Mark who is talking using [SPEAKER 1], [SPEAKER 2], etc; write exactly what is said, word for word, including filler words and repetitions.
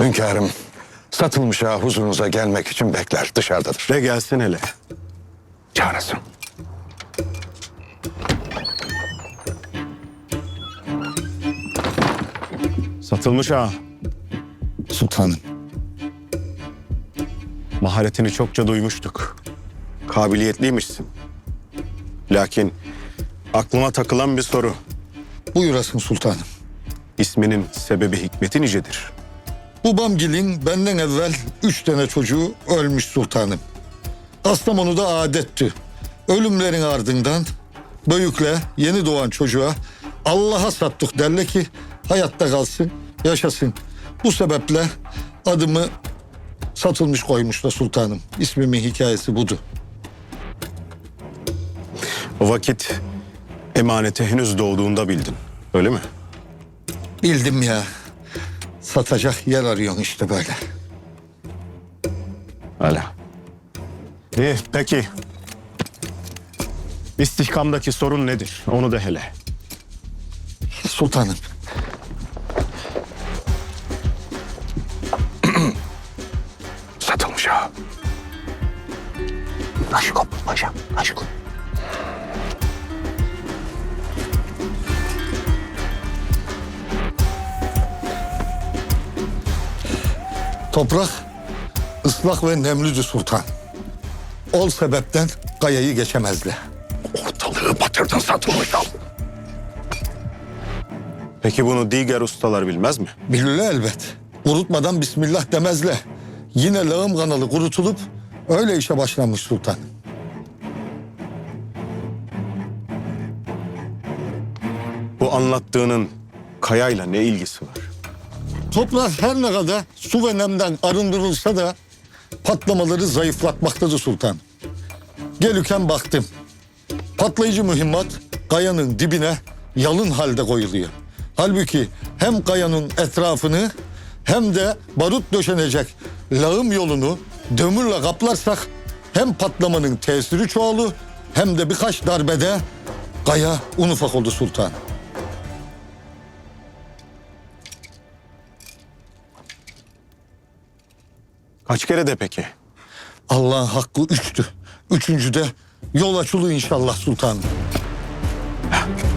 [SPEAKER 1] Hünkârım, satılmış ağa huzurunuza gelmek için bekler, dışarıdadır.
[SPEAKER 2] De gelsin hele.
[SPEAKER 1] Çağırasın.
[SPEAKER 2] Satılmış ağa.
[SPEAKER 3] Sultanım.
[SPEAKER 2] Maharetini çokça duymuştuk. Kabiliyetliymişsin. Lakin aklıma takılan bir soru.
[SPEAKER 3] Buyurasın sultanım.
[SPEAKER 2] İsminin sebebi hikmeti nicedir?
[SPEAKER 3] Babamgil'in benden evvel üç tane çocuğu ölmüş sultanım. Kastamonu'da adetti. Ölümlerin ardından büyükle yeni doğan çocuğa Allah'a sattık derler ki hayatta kalsın, yaşasın. Bu sebeple adımı satılmış koymuşlar sultanım. İsmimin hikayesi budur.
[SPEAKER 2] O vakit emaneti henüz doğduğunda bildin. Öyle mi?
[SPEAKER 3] Bildim ya. Satacak yer arıyorsun işte böyle.
[SPEAKER 2] Hala. İyi, peki. İstihkamdaki sorun nedir? Onu da hele.
[SPEAKER 3] Sultanım.
[SPEAKER 1] Satılmış ağa.
[SPEAKER 3] Aşkım paşam, aşkım. Toprak ıslak ve nemlüdü sultan. Ol sebepten kayayı geçemezdi.
[SPEAKER 1] Ortalığı batırdın satılmış ağa.
[SPEAKER 2] Peki bunu diğer ustalar bilmez mi?
[SPEAKER 3] Bilirler elbet. Kurutmadan bismillah demezler. Yine lağım kanalı kurutulup öyle işe başlanmış sultan.
[SPEAKER 2] Bu anlattığının kayayla ne ilgisi var?
[SPEAKER 3] Toprak her ne kadar su ve nemden arındırılsa da patlamaları zayıflatmaktadır sultan. Gelirken baktım. Patlayıcı mühimmat kayanın dibine yalın halde koyuluyor. Halbuki hem kayanın etrafını hem de barut döşenecek lağım yolunu dömürle kaplarsak hem patlamanın tesiri çoğalır hem de birkaç darbede kaya un ufak oldu sultan.
[SPEAKER 2] Kaç kere de peki?
[SPEAKER 3] Allah'ın hakkı üçtü. Üçüncüde yol açılı inşallah sultanım.